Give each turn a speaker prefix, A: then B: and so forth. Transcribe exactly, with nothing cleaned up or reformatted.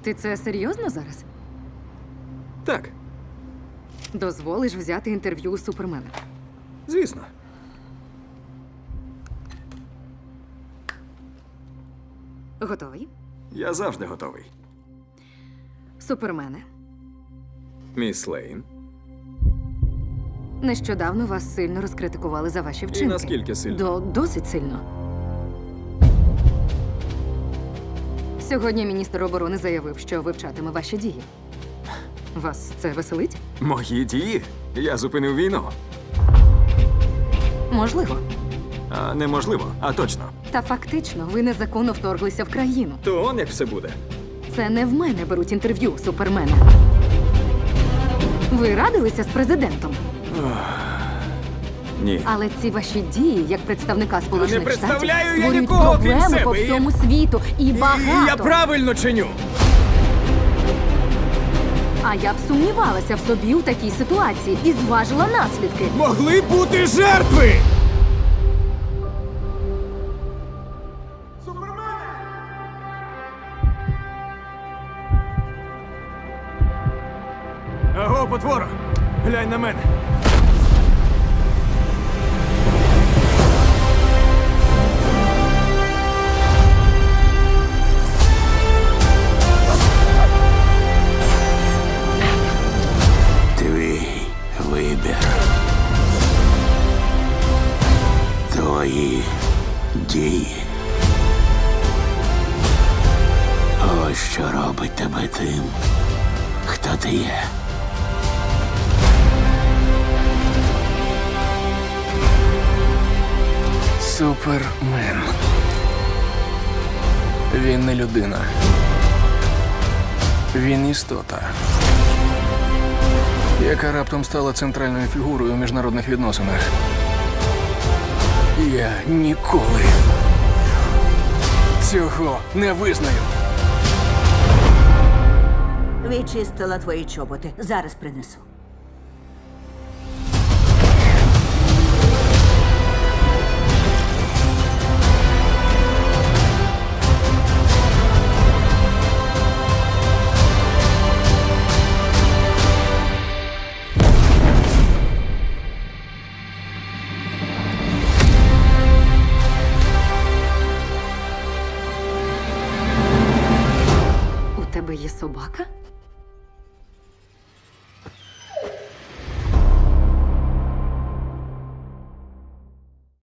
A: Ти це серйозно зараз?
B: Так,
A: Дозволиш взяти інтерв'ю у Супермена?
B: звісно.
A: Готовий?
B: Я завжди готовий.
A: Супермене,
B: Міс Лейн.
A: нещодавно вас сильно розкритикували за ваші вчинки.
B: наскільки сильно?
A: До досить сильно. Сьогодні міністр оборони заявив, що вивчатиме ваші дії. Вас це веселить?
B: Мої дії? Я зупинив війну.
A: Можливо.
B: А неможливо, а точно.
A: Та фактично ви незаконно вторглися в країну.
B: То он як все буде.
A: Це не в мене беруть інтерв'ю, Супермена. Ви радилися з президентом,
B: Ні.
A: але ці ваші дії, як представника Сполучених
B: не
A: Штатів,
B: представляю я
A: створюють
B: нікого, крім
A: проблеми
B: себе,
A: по
B: і-
A: всьому світу. І багато.
B: Я правильно чиню.
A: А я б сумнівалася в собі у такій ситуації і зважила наслідки.
B: Могли бути жертви! Аго, потвора! Глянь на мене!
C: Твій вибір. Твої дії. Ось що робить тебе тим, хто ти є.
D: Супермен. Він не людина. Він істота, яка раптом стала центральною фігурою у міжнародних відносинах. Я ніколи цього не визнаю.
E: Відчистила твої чоботи. Зараз принесу.
A: У тебе є собака?